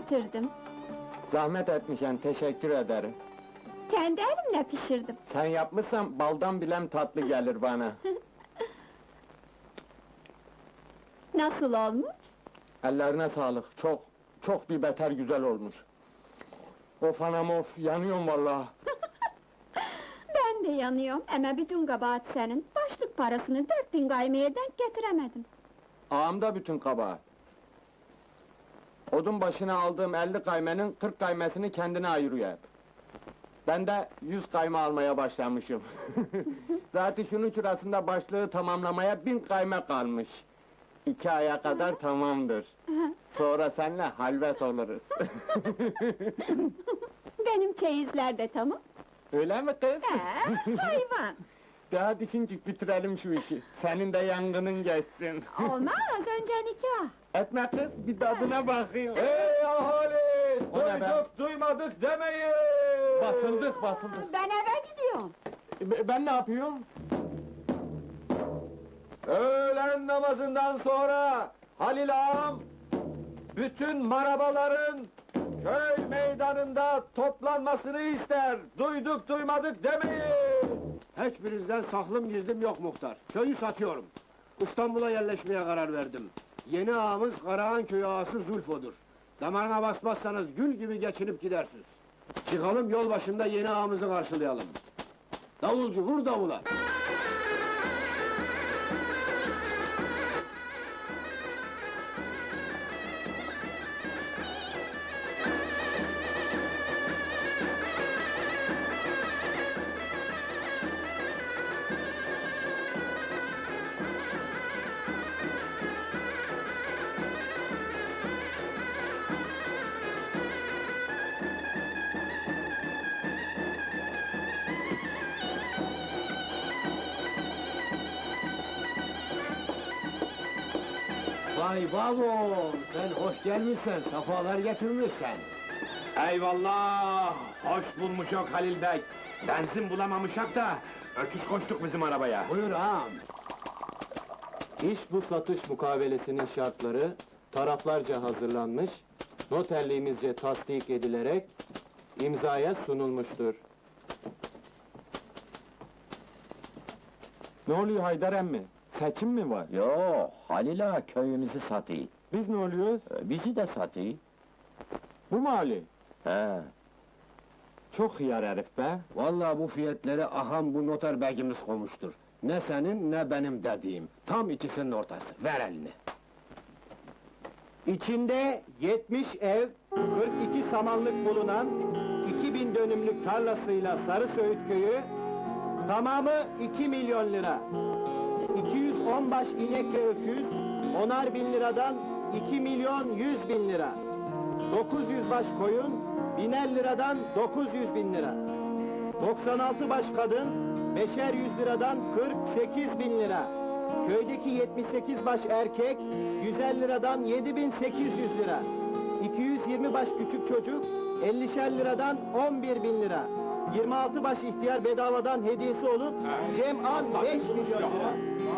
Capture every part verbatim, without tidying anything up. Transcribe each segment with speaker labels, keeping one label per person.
Speaker 1: getirdim.
Speaker 2: Zahmet etmişen, teşekkür ederim.
Speaker 1: Kendi elimle pişirdim.
Speaker 2: Sen yapmışsan baldan bilem tatlı gelir bana.
Speaker 1: Nasıl olmuş?
Speaker 2: Ellerine sağlık, çok, çok bir beter güzel olmuş. Of anam of, yanıyorum vallahi.
Speaker 1: Ben de yanıyorum, ama bütün kabahat senin. Başlık parasını dört bin gaymeye denk getiremedim.
Speaker 2: Ağamda bütün kabahat. Odun başına aldığım elli kaymenin kırk kaymesini kendine ayırıyor hep. Ben de yüz kayme almaya başlamışım. Zaten şunun şurasında başlığı tamamlamaya bin kayme kalmış. İki aya kadar tamamdır. Sonra seninle halvet oluruz.
Speaker 1: Benim çeyizler de tamam.
Speaker 2: Öyle mi kız?
Speaker 1: He, hayvan!
Speaker 2: Daha düşüncük bitirelim şu işi. Senin de yangının geçsin.
Speaker 1: Olmaz, önce nikah!
Speaker 2: Etme kız, bir tadına bakayım.
Speaker 3: Ey ahali!
Speaker 2: O ne be?
Speaker 3: Duyduk duymadık demeyin!
Speaker 2: Basıldık, basıldık.
Speaker 1: Ben eve gidiyorum!
Speaker 2: E, Ben ne yapıyorum?
Speaker 3: Öğlen namazından sonra Halil ağam bütün marabaların köy meydanında toplanmasını ister. Duyduk duymadık demeyin.
Speaker 4: Hiçbirinizden saklım gizlim yok muhtar. Köyü satıyorum. İstanbul'a yerleşmeye karar verdim. Yeni ağamız Karahan köyü ağası Zulfo'dur. Damarına basmazsanız gül gibi geçinip gidersiniz. Çıkalım yol başında yeni ağamızı karşılayalım. Davulcu vur davula! Vay babam, sen hoş gelmişsen, safalar getirmişsen.
Speaker 5: Eyvallah! Hoş bulmuşok Halil Bey! Benzin bulamamışak da, öküz koştuk bizim arabaya.
Speaker 4: Buyur ağam.
Speaker 2: İş bu satış mukavelesinin şartları taraflarca hazırlanmış, noterliğimizce tasdik edilerek imzaya sunulmuştur. Ne oluyor Haydar emmi? Seçim mi var?
Speaker 6: Yo, Halil ağa köyümüzü satıyor.
Speaker 2: Biz ne oluyoruz?
Speaker 6: Ee, Bizi de satıyor.
Speaker 2: Bu mu Ali?
Speaker 6: He,
Speaker 2: Çok hıyar herif be!
Speaker 4: Vallahi bu fiyatları aham bu noter begimiz koymuştur. Ne senin ne benim dediğim. Tam ikisinin ortası. Ver elini. İçinde yetmiş ev, kırk iki samanlık bulunan iki bin dönümlük tarlasıyla Sarısöğüt köyü tamamı iki milyon lira. iki yüz on baş inek ve öküz, onar bin liradan iki milyon yüz bin lira. dokuz yüz baş koyun, biner liradan dokuz yüz bin lira. doksan altı baş kadın, beşer yüz liradan kırk sekiz bin lira. Köydeki yetmiş sekiz baş erkek, yüz elli liradan yedi bin sekiz yüz lira. iki yüz yirmi baş küçük çocuk, ellişer liradan on bir bin lira. yirmi altı baş ihtiyar bedavadan hediyesi olup, cem'an beş milyon lira.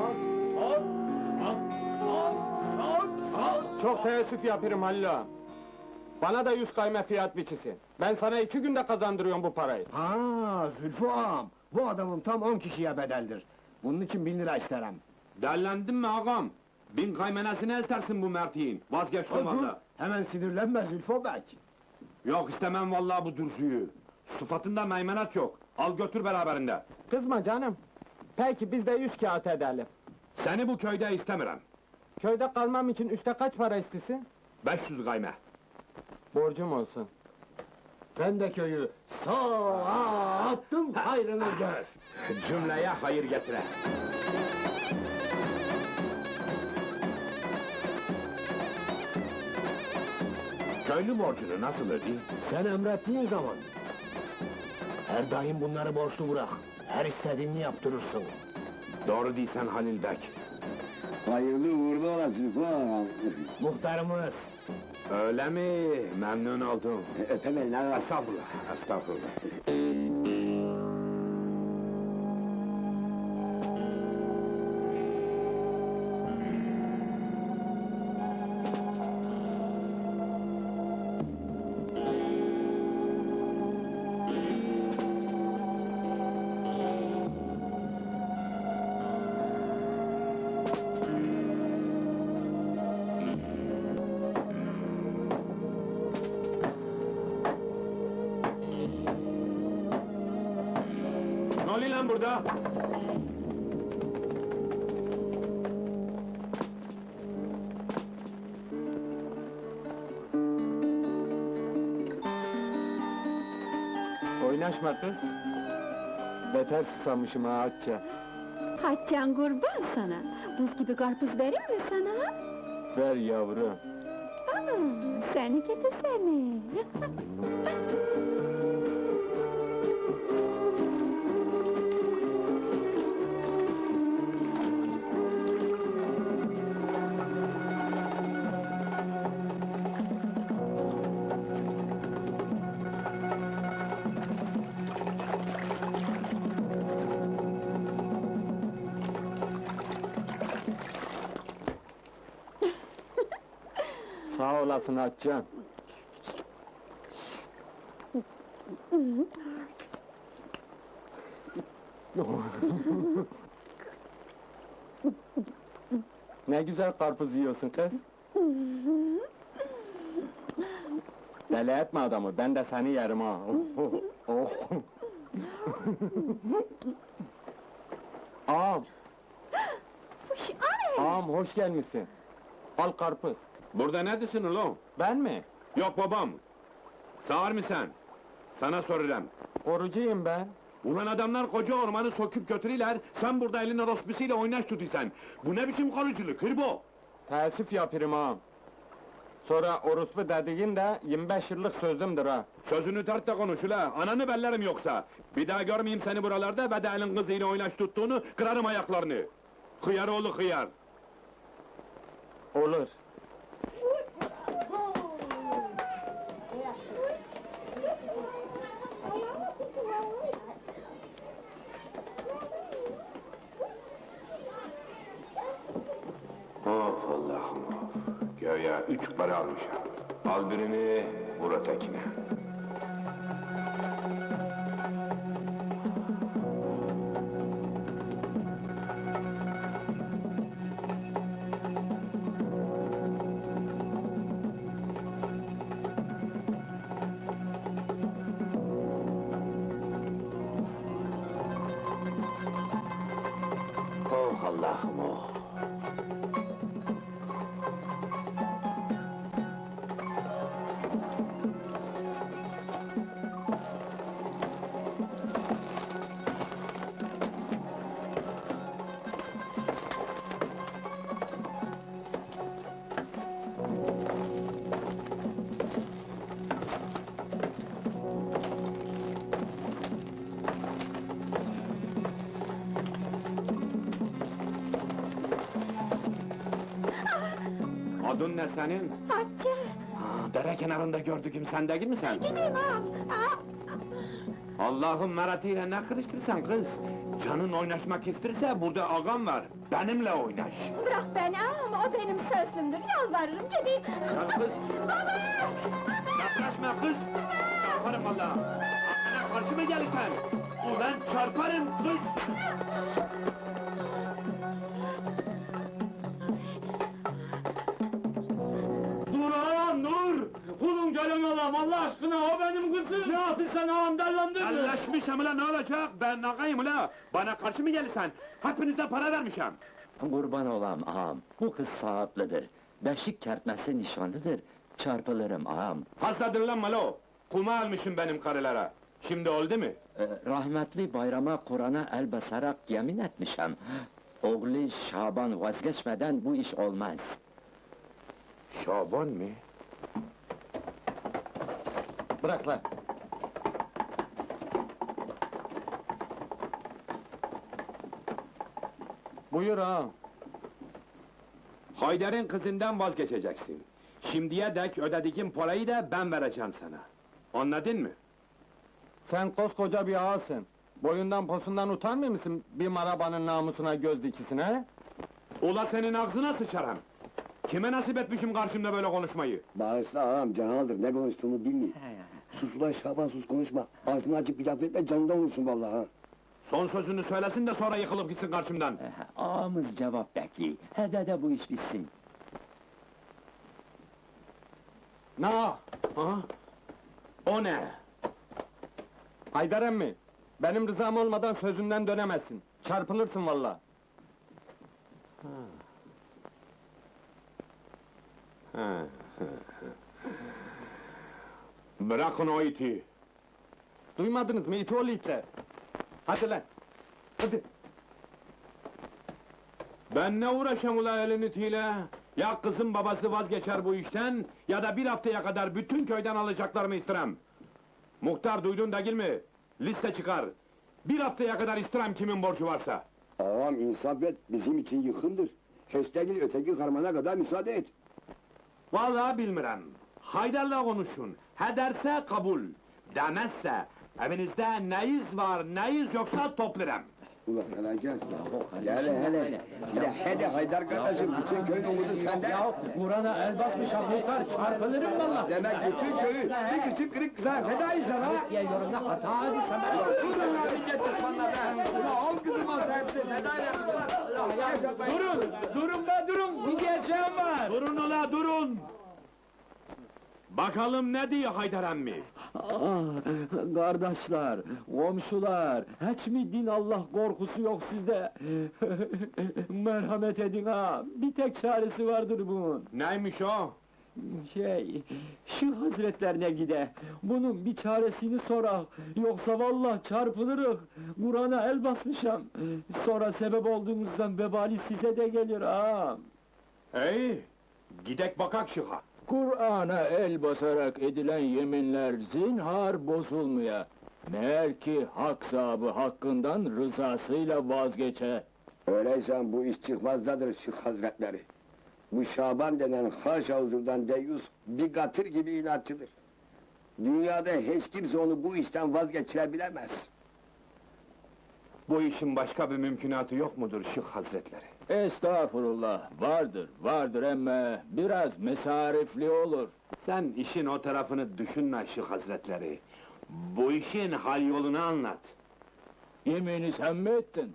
Speaker 2: Çok teessüf yaparım Halil ağa. Bana da yüz kayme fiyat biçisin. Ben sana iki günde kazandırıyorum bu parayı.
Speaker 4: Ha, Zülfü ağam, bu adamın tam on kişiye bedeldir. Bunun için bin lira isterim.
Speaker 5: Derlendin mi ağam? Bin kaymenesine istersin bu mertiğin. Vazgeçtim
Speaker 4: Dur,
Speaker 5: valla.
Speaker 4: hemen sinirlenme Zülfü bey.
Speaker 5: Yok istemem vallahi bu dursuyu. Sıfatında meymenet yok. Al götür beraberinde.
Speaker 2: Kızma canım. Peki biz de yüz kağıt edelim.
Speaker 5: Seni bu köyde istemiyorum.
Speaker 2: Köyde kalmam için üste kaç para istesin?
Speaker 5: beş yüz kayme.
Speaker 2: Borcum olsun.
Speaker 4: Ben de köyü sağa attım, hayrını gör.
Speaker 5: Cümleye hayır getire. Köylü borcunu nasıl ödeyeyim?
Speaker 4: Sen emrettiğin zaman. Her daim bunları borçlu bırak. Her istediğini yaptırırsın.
Speaker 5: Doğru değilsen Halil Bey.
Speaker 7: Hayırlı uğurlu olasın falan.
Speaker 4: Muhtarımız.
Speaker 5: Öyle mi? Memnun oldum.
Speaker 7: Öpem elini ağa.
Speaker 5: Estağfurullah, estağfurullah. burada?
Speaker 2: Oynaşma kız. Beter susamışım ha Hatice.
Speaker 1: Hatice'n kurban sana. Buz gibi karpuz vereyim mi sana?
Speaker 2: Ver yavrum.
Speaker 1: Aa, seni gidi seni.
Speaker 2: Sağ olasın Hatice'm. Ne güzel karpuz yiyorsun kız. Deli etme adamı, ben de seni yerim ha. Oh. Ağam,
Speaker 1: Uş, ay!
Speaker 2: ağam hoş gelmişsin. Al karpuz.
Speaker 5: Burada neredesin ulan?
Speaker 2: Ben mi?
Speaker 5: Yok babam. Sağır mı sen? Sana soracağım.
Speaker 2: Korucuyum ben.
Speaker 5: Ulan adamlar koca ormanı söküp götürüyorlar, sen burada elin orospusiyle oynaş tutuyorsan. Bu ne biçim koruculuk, hırbo?
Speaker 2: Teessüf yapırım ağam. Sonra orospu dediğin de yirmi beş yıllık sözümdür ha.
Speaker 5: Sözünü tart da konuş ula, ananı bellerim yoksa. Bir daha görmeyeyim seni buralarda ve de elin kızıyla oynaş tuttuğunu, kırarım ayaklarını. Hıyar oğlu hıyar.
Speaker 2: Olur.
Speaker 5: Of Allah'ım of! Göya üç para almışım. Al birini, vur ötekine. Oh Allah'ım oh! Adın ne senin?
Speaker 1: Hatice,
Speaker 5: Ha, dere kenarında gördüküm sen değil mi sen?
Speaker 1: gideyim ağam. Aa,
Speaker 5: Allah'ın meratiyle ne kırıştırsan kız? Canın oynaşmak isterse burada ağam var. Benimle oynaş.
Speaker 1: bırak beni ağam, o benim sözümdür. Yalvarırım gideyim.
Speaker 5: Gel kız.
Speaker 1: Baba!
Speaker 5: Yaklaşma kız. Çarparım valla. Aklına karşı mı gelirsen? Ulan çarparım kız. Dur ağam dur! Kulun gölün olam Allah aşkına o benim kızım! Ne yapıyorsun sen ağam dellendir mi? Elleşmişim ulan ne olacak? Ben ağayım ula! Bana karşı mı gelirsen? Hepinize para vermişim!
Speaker 6: Kurban olam ağam, bu kız saatlidir. Beşik kertmesi nişanlıdır. Çarpılırım ağam.
Speaker 5: Fazla dırlanma lo! Kuma almışım benim karılara! Şimdi oldu mu?
Speaker 6: Ee, rahmetli bayrama Kur'an'a el basarak yemin etmişem. Oğlu Şaban vazgeçmeden bu iş olmaz.
Speaker 5: Şaban mı?
Speaker 2: Bırak lan. Buyur ağam.
Speaker 5: Haydar'ın kızından vazgeçeceksin. Şimdiye dek ödediğim parayı da ben vereceğim sana. Anladın mı?
Speaker 2: Sen koskoca bir ağasın. Boyundan posundan utanmıyor musun bir marabanın namusuna göz dikisine he?
Speaker 5: Ula senin ağzına sıçarım! Kime nasip etmişim karşımda böyle konuşmayı?
Speaker 7: Bağışla ağam, canaldır, ne konuştuğunu bilmiyor. Sus ulan Şaban, sus konuşma. Ağzını açıp bir laf etme, canından vursun vallahi ha.
Speaker 5: Son sözünü söylesin de sonra yıkılıp gitsin karşımdan!
Speaker 6: Ee, ağamız cevap bekliyor. Hede de bu iş bitsin.
Speaker 2: Na,
Speaker 5: Ha? O ne?
Speaker 2: Haydar emmi, Benim rızam olmadan sözünden dönemezsin. Çarpılırsın vallahi.
Speaker 5: Bırakın o iti.
Speaker 2: Duymadınız mı iti oğlu itler? Hadi lan! Hadi!
Speaker 5: Ben ne uğraşam ula elin itiyle? Ya kızın babası vazgeçer bu işten, ya da bir haftaya kadar bütün köyden alacaklarımı istirem. Muhtar duydun değil mi? Liste çıkar. Bir haftaya kadar istirem kimin borcu varsa.
Speaker 7: Ağam insaf et, bizim için yıkımdır. Höstegil öteki karmana kadar müsaade et.
Speaker 5: Vallahi bilmirem. Haydar'la konuşun. He derse kabul. Demezse, evinizde neyiz var, neyiz yoksa toplarım.
Speaker 7: Ulan hele gel. Gel hele. Hele hele Haydar kardeşim, bütün köyün umudu sende.
Speaker 6: Kur'an'a el basmış muhtar, çarpılırım valla.
Speaker 7: Demek bütün köyü bir küçük kırık kıza fedayız sana.
Speaker 6: Ya yorumda hata abi sana.
Speaker 7: Durun lan millet düşmanlar be! Ulan on kızım olsa hepsi feda edersin ulan! Yaşatmayın!
Speaker 5: Durun, durun be durun, bir diyeceğim var. Durun ola durun. Bakalım ne diyor Haydar emmi?
Speaker 6: Ah, kardeşler, komşular, hiç mi din Allah korkusu yok sizde? Merhamet edin ha, bir tek çaresi vardır bunun.
Speaker 5: Neymiş o?
Speaker 6: Şey, şu hazretlerine gide, bunun bir çaresini sorak, yoksa vallahi çarpılırız. Kur'an'a el basmışam, sonra sebep olduğunuzdan vebali size de gelir ha.
Speaker 5: Hey, gidek bakak şıha.
Speaker 8: Kur'an'a el basarak edilen yeminler zinhar bozulmuyor. Meğer ki hak sahibi hakkından rızasıyla vazgeçe.
Speaker 7: Öyleyse bu iş çıkmazdadır Şık Hazretleri. Bu Şaban denen haşa huzurdan deyyus bir katır gibi inatçıdır. Dünyada hiç kimse onu bu işten vazgeçirebilemez.
Speaker 5: Bu işin başka bir mümkünatı yok mudur Şık Hazretleri?
Speaker 8: Estağfurullah, vardır, vardır emme biraz mesarifli olur.
Speaker 5: Sen işin o tarafını düşünme Şık Hazretleri. Bu işin hal yolunu anlat.
Speaker 8: Yemini sen mi ettin?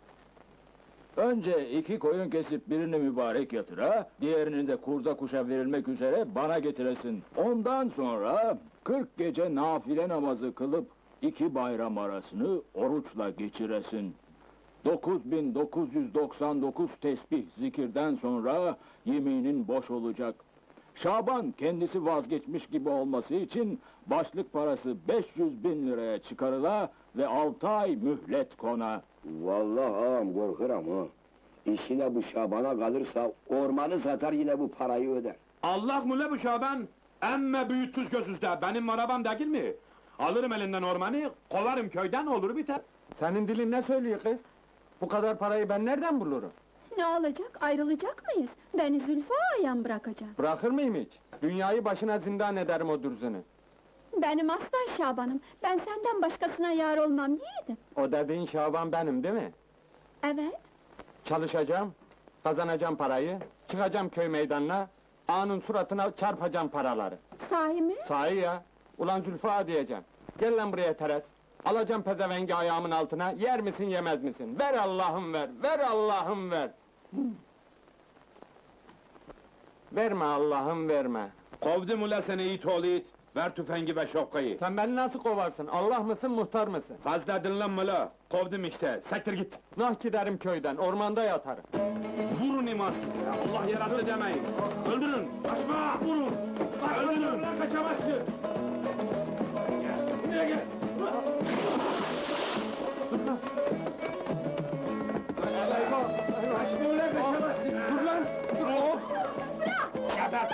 Speaker 8: Önce iki koyun kesip birini mübarek yatıra, diğerini de kurda kuşa verilmek üzere bana getiresin. Ondan sonra kırk gece nafile namazı kılıp iki bayram arasını oruçla geçiresin. dokuz bin dokuz yüz doksan dokuz tesbih zikirden sonra yeminin boş olacak. Şaban kendisi vazgeçmiş gibi olması için başlık parası beş yüz bin liraya çıkarıla ve altı ay mühlet kona.
Speaker 7: Vallahi ağam korkuram ha. İşine bu Şaban'a kalırsa ormanı satar yine bu parayı öder.
Speaker 5: Allah mı le bu Şaban? Emme büyütüz gözüzde, benim arabam değil mi? Alırım elinden ormanı, kovarım köyden, olur biter.
Speaker 2: Senin dilin ne söylüyor kız? Bu kadar parayı ben nereden bulurum?
Speaker 1: Ne olacak, ayrılacak mıyız? Beni Zülfü ağayan bırakacak.
Speaker 2: Bırakır mıyım hiç? Dünyayı başına zindan ederim o dürzünü.
Speaker 1: Benim aslan Şaban'ım, ben senden başkasına yar olmam yiğidim.
Speaker 2: O dediğin Şaban benim değil mi?
Speaker 1: Evet,
Speaker 2: Çalışacağım, kazanacağım parayı, çıkacağım köy meydanına, ağanın suratına çarpacağım paraları.
Speaker 1: sahi mi?
Speaker 2: Sahi ya, ulan Zülfü ağa diyeceğim. Gel lan buraya Teres. Alacağım pezevengi ayağımın altına, yer misin yemez misin? Ver Allah'ım ver, ver Allah'ım ver! Verme Allah'ım verme!
Speaker 5: Kovdum ula seni it oğlu it, ver tüfengi ve şapkayı.
Speaker 2: Sen beni nasıl kovarsın? Allah mısın, muhtar mısın?
Speaker 5: Fazla dinlenme la, kovdum işte, sektir git!
Speaker 2: Nah giderim köyden, ormanda yatarım.
Speaker 5: Vurun imansız ya, Allah yarattı demeyin! Öldürün, kaçma! Vurun! Öldürün! Lan kaçamazsın! Buraya gel! Kaçma ulan, kaçamazsın! Dur lan! Dur! Geber!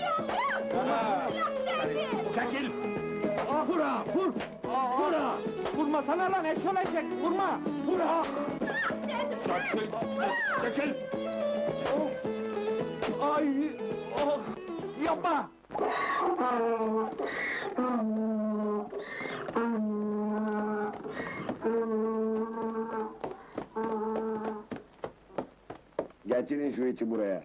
Speaker 5: Çekil! Vura! Vur! Vura!
Speaker 2: Vurmasana lan eşol eşek, vurma!
Speaker 5: Vura! Çekil! Çekil!
Speaker 2: Ay! Oh! Yapma!
Speaker 7: Getirin şu iti buraya.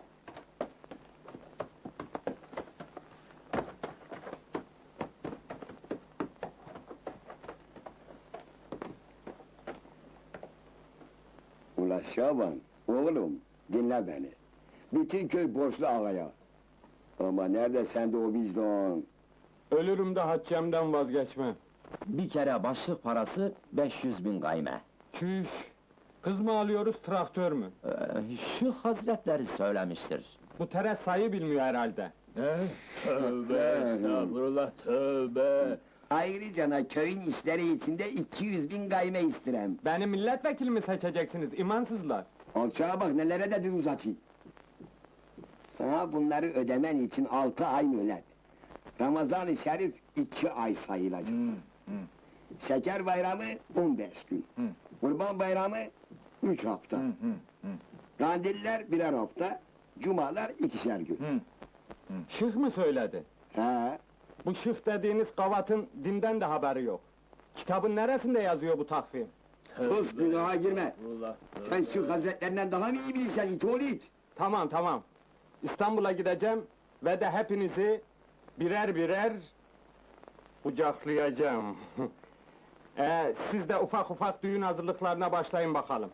Speaker 7: Ula Şaban, oğlum dinle beni. Bütün köy borçlu ağaya. Ama nerede sende o vicdan?
Speaker 2: Ölürüm de haccemden vazgeçmem.
Speaker 9: Bir kere başlık parası beş yüz bin gayme.
Speaker 2: Çüş! Kız mı alıyoruz, traktör mü?
Speaker 9: Ee, şu hazretleri söylemiştir.
Speaker 2: Bu Teres sayı bilmiyor herhalde.
Speaker 8: Ne? Tövbe estağfurullah tövbe.
Speaker 7: Ayrıca köyün işleri içinde iki yüz bin gayme istirem.
Speaker 2: Beni milletvekili mi seçeceksiniz, imansızlar?
Speaker 7: Alçağa bak nelere de dil uzatayım. Sana bunları ödemen için altı ay mühlet. Ramazan-ı Şerif iki ay sayılacak. Şeker bayramı on beş gün. Kurban bayramı üç hafta. Kandiller birer hafta. Cumalar ikişer gün.
Speaker 2: Şık mı söyledi?
Speaker 7: He,
Speaker 2: Bu şık dediğiniz gavatın dinden de haberi yok. Kitabın neresinde yazıyor bu takvim?
Speaker 7: sus günaha girme.
Speaker 8: Estağfurullah.
Speaker 7: Sen şu hazretlerinden daha mı iyi bilirsen it oğlu it?
Speaker 2: Tamam tamam. İstanbul'a gideceğim ve de hepinizi birer birer kucaklayacağım. ee, siz de ufak ufak düğün hazırlıklarına başlayın bakalım.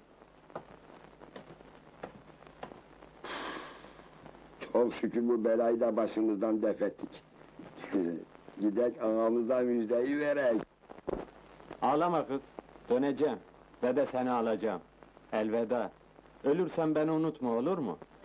Speaker 7: Çok şükür bu belayı da başımızdan def ettik. Gidek ağamıza müjdeyi verek.
Speaker 2: Ağlama kız, döneceğim ve de seni alacağım. Elveda. Ölürsen beni unutma, olur mu?